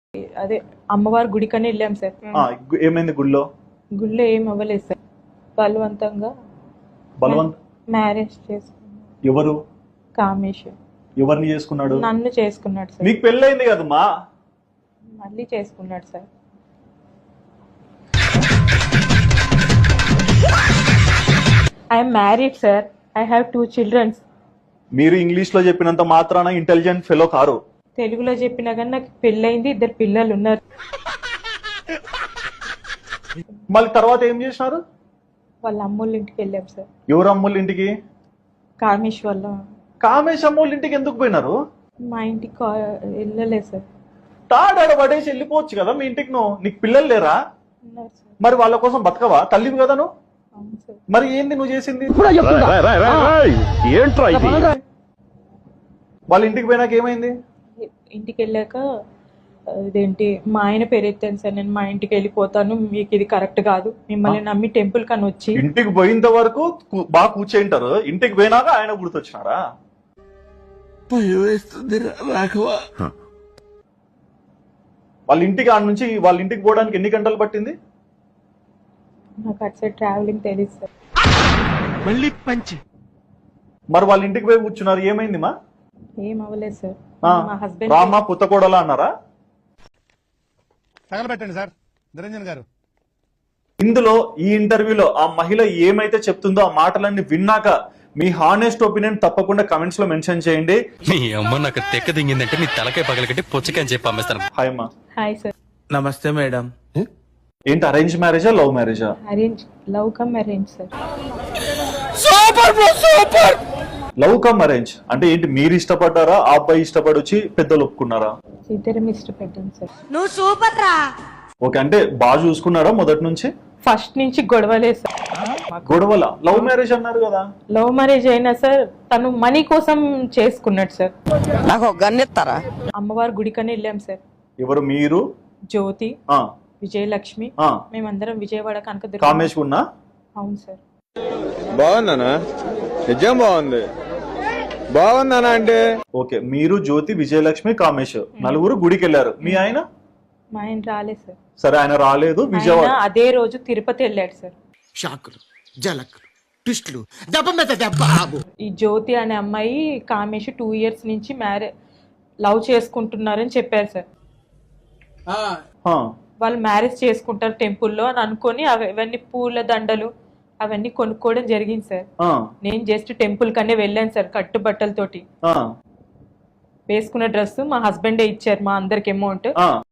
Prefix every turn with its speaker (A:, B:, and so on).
A: అదే అమ్మవారి గుడికని వెళ్ళాం సార్.
B: ఏమైంది గుడిలో?
A: గుడిలో ఏం అవ్వలేదు సార్. బలవంతంగా మ్యారేజ్ చేసుకున్నాడు.
B: ఎవరు?
A: కామేష్.
B: ఎవరిని చేసుకున్నాడు?
A: నన్ను చేసుకున్నాడు సార్.
B: మీకు పెళ్ళైంది కదమ్మా?
A: మళ్ళీ చేసుకున్నాడు sir. I'm married sir. I have 2 children.
B: మీరు ఇంగ్లీష్ లో చెప్పినంత మాత్రాన ఇంటెలిజెంట్ ఫెలో కారు.
A: తెలుగులో చెప్పినా కానీ నాకు పెళ్ళైంది, 2 పిల్లలు ఉన్నారు.
B: మళ్ళీ తర్వాత ఏం చేసినారు?
A: వాళ్ళ అమ్మోళ్ళ ఇంటికి వెళ్ళాం సార్.
B: ఎవరు అమ్మోళ్ళ ఇంటికి?
A: కామేష్ వల్ల.
B: కామేష్ అమ్మోళ్ళ ఇంటికి ఎందుకు పోయినారు?
A: మా ఇంటికి వెళ్ళలేదు సార్.
B: తాడాడ పడేసి వెళ్ళిపోవచ్చు కదా మీ ఇంటికి. నీకు పిల్లలు లేరా?
A: ఉన్నారు సార్.
B: మరి వాళ్ళ కోసం బతకవా? తల్లివి కదా నువ్వు.
A: అవును సార్.
B: మరి ఏంది నువ్వు చేసింది? వాళ్ళ ఇంటికి పోయినాక ఏమైంది?
A: ఇంటికి వెళ్ళాక ఇదేంటి మా ఆయన పేరు ఎత్తాను సార్. నేను మా ఇంటికి వెళ్ళిపోతాను, మీకు ఇది కరెక్ట్ కాదు, మిమ్మల్ని నమ్మి టెంపుల్ కని వచ్చి.
B: ఇంటికి పోయినంత వరకు బాగా కూర్చేంటారు, ఇంటికి పోయినాక ఆయన గుర్తొచ్చినారా? వాళ్ళ ఇంటికి ఆడ నుంచి వాళ్ళ ఇంటికి పోవడానికి ఎన్ని గంటలు పట్టింది?
A: నాకు అటు సైడ్ ట్రావెలింగ్ తెలియదు సార్.
B: మరి వాళ్ళ ఇంటికి పోయి కూర్చున్నారు, ఏమైంది మా?
A: ఏం అవ్వలేదు సార్. మా హస్బెండ్
B: రామా పుత్తకోడలా అన్నారా?
C: తగలబెట్టండి సార్ నిరంజన్ గారు.
B: ఇందులో ఈ ఇంటర్వ్యూలో ఆ మహిళ ఏమైతే చెప్తుందో ఆ మాటలన్నీ విన్నాక మీ హానెస్ట్ ఒపీనియన్ తప్పకుండా కమెంట్స్ లో మెన్షన్ చేయండి.
D: నీ అమ్మ నాకు తెక్క దింగిందంటే నీ తలకాయ పగలకట్టి పుచ్చకాయ చెప్పి అమ్మేస్తాను.
B: హాయ్ అమ్మా.
A: Hi sir.
E: నమస్తే మేడం.
B: ఏంటి అరేంజ్ మ్యారేజా లవ్ మ్యారేజా?
A: Arrange. Love come arrange sir.
B: Love come arrange అంటే ఏంటి? మీరు ఇష్టపడ్డారా, ఆ అబ్బాయి ఇష్టపడి వచ్చి పెద్దలు ఒప్పుకున్నారా?
A: ఇద్దరం ఇష్టపడ్డాను సార్.
F: నువ్వు సూపర్ రా.
B: ఓకే, అంటే బాగా చూసుకున్నారా మొదటి నుంచి?
A: ఫస్ట్ నుంచి గొడవలే సార్.
B: గొడవల? లవ్ మ్యారేజ్ అన్నారు కదా.
A: లవ్ మ్యారేజ్ అయినా సార్ తను మనీ కోసం చేసుకున్నాడు సార్.
F: నాకు ఒక గన్ ఇస్తారా?
A: అమ్మవారి గుడికని వెళ్ళాం సార్.
B: ఎవరు? మీరు,
A: జ్యోతి,
B: ఆ
A: విజయలక్ష్మి,
B: ఆ
A: మేమందరం విజయవాడ కనకదుర్గ.
B: కామేష్ ఉన్నా?
A: అవును సార్.
G: బాగుందనా? నిజం బాగుంది. బాగుందనా అంటే
B: ఓకే, మీరు, జ్యోతి, విజయలక్ష్మి, కామేష్ నలుగురు గుడికి వెళ్ళారు. మీ ఆయన?
A: మా ఆయన రాలేదు సార్.
B: సరే, ఆయన రాలేదు. విజయవాడ
A: ఆయన అదే రోజు తిరుపతి వెళ్ళాడు సార్.
E: షాకులు, జలకులు, ట్విస్టులు, దెబ్బ మీద దెబ్బ.
A: ఈ జ్యోతి అనే అమ్మాయి కామేష్ 2 years నుంచి లవ్ చేసుకుంటున్నారని చెప్పారు సార్. వాళ్ళు మ్యారేజ్ చేసుకుంటారు టెంపుల్లో అని అనుకొని అవన్నీ పూల దండలు అవన్నీ కొనుక్కోవడం జరిగింది సార్. నేను జస్ట్ టెంపుల్ కనే వెళ్ళాను సార్ కట్టుబట్టలతోటి. వేసుకున్న డ్రెస్ మా హస్బెండే ఇచ్చారు మా అందరికి అమౌంట్.